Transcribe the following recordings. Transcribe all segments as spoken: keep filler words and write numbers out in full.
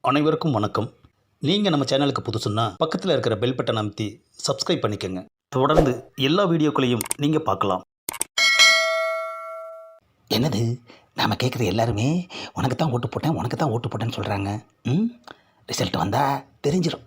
அனைவருக்கும் வணக்கம். நீங்கள் நம்ம சேனலுக்கு புதுசுன்னா பக்கத்தில் இருக்கிற பெல் பட்டன் அமைத்தி சப்ஸ்கிரைப் பண்ணிக்கோங்க. தொடர்ந்து எல்லா வீடியோக்களையும் நீங்கள் பார்க்கலாம். என்னது நாம் கேட்குற எல்லாருமே உனக்கு தான் ஓட்டு போட்டேன் உனக்கு தான் ஓட்டு போட்டேன்னு சொல்கிறாங்க. ம் ரிசல்ட் வந்தால் தெரிஞ்சிடும்.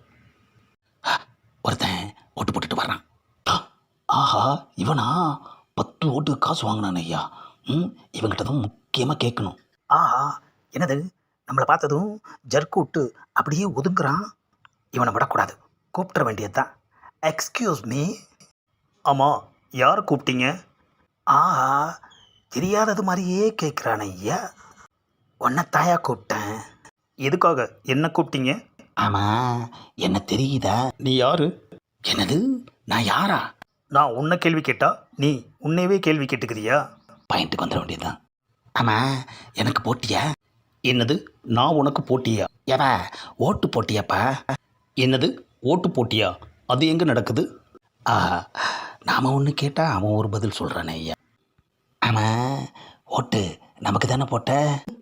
ஆ, ஒருத்தன் ஓட்டு போட்டுட்டு வர்றான். ஆ, ஆஹா இவனா பத்து ஓட்டு காசு வாங்கினான் ஐயா. ம் இவங்கிட்ட தான் முக்கியமாக கேட்கணும். ஆஹா என்னது நம்மளை பார்த்ததும் ஜர்க்கு விட்டு அப்படியே ஒதுங்குறான். இவனை விடக்கூடாது, கூப்பிட வேண்டியது தான். Excuse me. ஆமாம், யார் கூப்பிட்டீங்க? ஆஹா தெரியாதது மாதிரியே கேட்குறான் ஐயா. உன்னை தாயா கூப்பிட்டேன். எதுக்காக என்ன கூப்பிட்டீங்க? ஆமாம் என்ன தெரியுதா? நீ யாரு? என்னது நான் யாரா? நான் உன்னை கேள்வி கேட்டா நீ உன்னையவே கேள்வி கேட்டுக்கிறியா? பாயிண்ட்டுக்கு வந்துட வேண்டியதுதான். ஆமாம் எனக்கு போட்டியா? என்னது நான் உனக்கு போட்டியா? ஏப்பா ஓட்டு போட்டியாப்பா? என்னது ஓட்டு போட்டியா? அது எங்கே நடக்குது? ஆஹா நாம் ஒன்று கேட்டால் அவன் ஒரு பதில் சொல்கிறானே ஐயா. ஆமாம் ஓட்டு நமக்கு தானே போட்ட.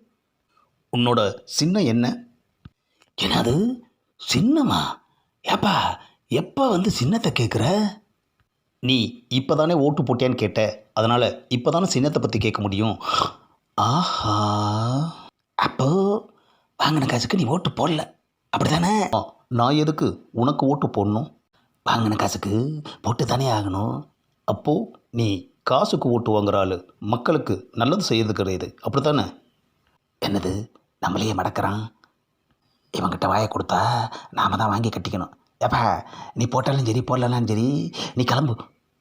உன்னோட சின்னம் என்ன? என்னது சின்னமா? ஏப்பா எப்போ வந்து சின்னத்தை கேட்குற? நீ இப்போ தானே ஓட்டு போட்டியான்னு கேட்ட, அதனால் இப்போ தானே சின்னத்தை பற்றி கேட்க முடியும். ஆஹா அப்போ வாங்கின காசுக்கு நீ ஓட்டு போடல அப்படி தானே? ஆ, நான் எதுக்கு உனக்கு ஓட்டு போடணும்? வாங்கின காசுக்கு போட்டு தானே ஆகணும். அப்போது நீ காசுக்கு ஓட்டு வாங்குற ஆள், மக்களுக்கு நல்லது செய்யறது கிடையாது, அப்படி தானே? என்னது நம்மளையே மடக்கிறான். இவங்கிட்ட வாயை கொடுத்தா நாம தான் வாங்கி கட்டிக்கணும். ஏப்பா நீ போட்டாலும் சரி போடலனாலும் சரி நீ கிளம்பு.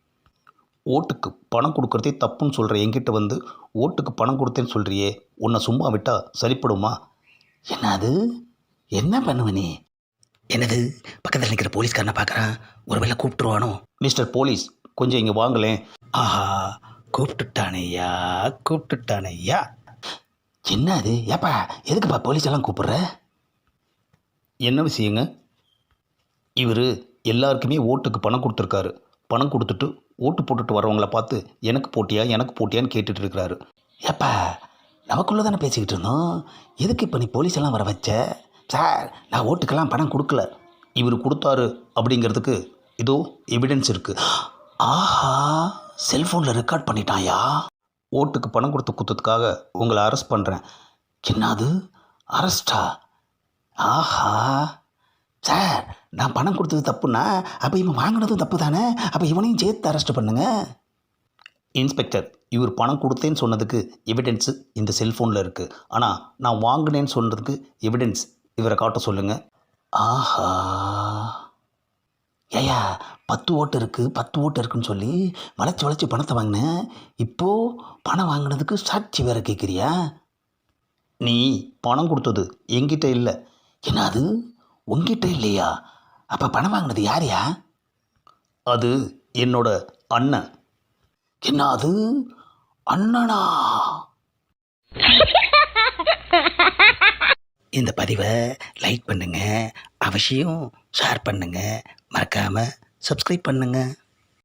ஓட்டுக்கு பணம் கொடுக்குறதே தப்புன்னு சொல்கிற என்கிட்ட வந்து ஓட்டுக்கு பணம் கொடுத்தேன்னு சொல்கிறியே, உன்னை சும்மா விட்டால் சரிப்படுமா? என்னது என்ன பண்ணுவ நீ? என்னது பக்கத்தில் நிற்கிற போலீஸ்காரனை பார்க்குறான், ஒரு வேளை கூப்பிட்டுருவானோ? மிஸ்டர் போலீஸ், கொஞ்சம் இங்கே வாங்களேன். ஆஹா கூப்பிட்டுட்டானையா கூப்பிட்டுட்டானையா. என்ன அது? ஏப்பா எதுக்குப்பா போலீஸ் எல்லாம் கூப்பிடுற? என்ன விஷயங்க? இவர் எல்லாருக்குமே ஓட்டுக்கு பணம் கொடுத்துருக்காரு. பணம் கொடுத்துட்டு ஓட்டு போட்டுட்டு வரவங்கள பார்த்து எனக்கு போட்டியா எனக்கு போட்டியான்னு கேட்டுட்டு இருக்கிறாரு. ஏப்பா நமக்குள்ளே தானே பேசிக்கிட்டு இருந்தோம், எதுக்கு இப்போ நீ போலீஸ் எல்லாம் வர வச்ச? சார் நான் ஓட்டுக்கெல்லாம் பணம் கொடுக்கல. இவர் கொடுத்தாரு அப்படிங்கிறதுக்கு இதோ எவிடன்ஸ் இருக்குது. ஆஹா செல்ஃபோனில் ரெக்கார்ட் பண்ணிட்டாயா? ஓட்டுக்கு பணம் கொடுத்து குத்தத்துக்காக உங்களை அரெஸ்ட் பண்ணுறேன். என்னது அரெஸ்டா? ஆஹா சார் நான் பணம் கொடுத்தது தப்புன்னா அப்போ இவன் வாங்கினதும் தப்பு தானே? அப்போ இவனையும் சேர்த்து அரெஸ்ட் பண்ணுங்க. இன்ஸ்பெக்டர், இவர் பணம் கொடுத்தேன்னு சொன்னதுக்கு எவிடன்ஸு இந்த செல்ஃபோனில் இருக்குது. ஆனால் நான் வாங்கினேன்னு சொன்னதுக்கு எவிடன்ஸ் இவரை காட்ட சொல்லுங்கள். ஆஹா ஏயா பத்து ஓட்டு இருக்குது பத்து ஓட்டு இருக்குன்னு சொல்லி வளைச்சி வளைச்சி பணத்தை வாங்கினேன். இப்போது பணம் வாங்கினதுக்கு சாட்சி வேறு கேட்குறியா? நீ பணம் கொடுத்தது என்கிட்ட இல்லை. என்னது உங்ககிட்ட இல்லையா? அப்போ பணம் வாங்கினது யாரையா? அது என்னோட அண்ணன். என்ன அது அண்ணனா? இந்த பதிவை லைக் பண்ணுங்கள், அவசியம் ஷேர் பண்ணுங்கள், மறக்காமல் சப்ஸ்கிரைப் பண்ணுங்கள்.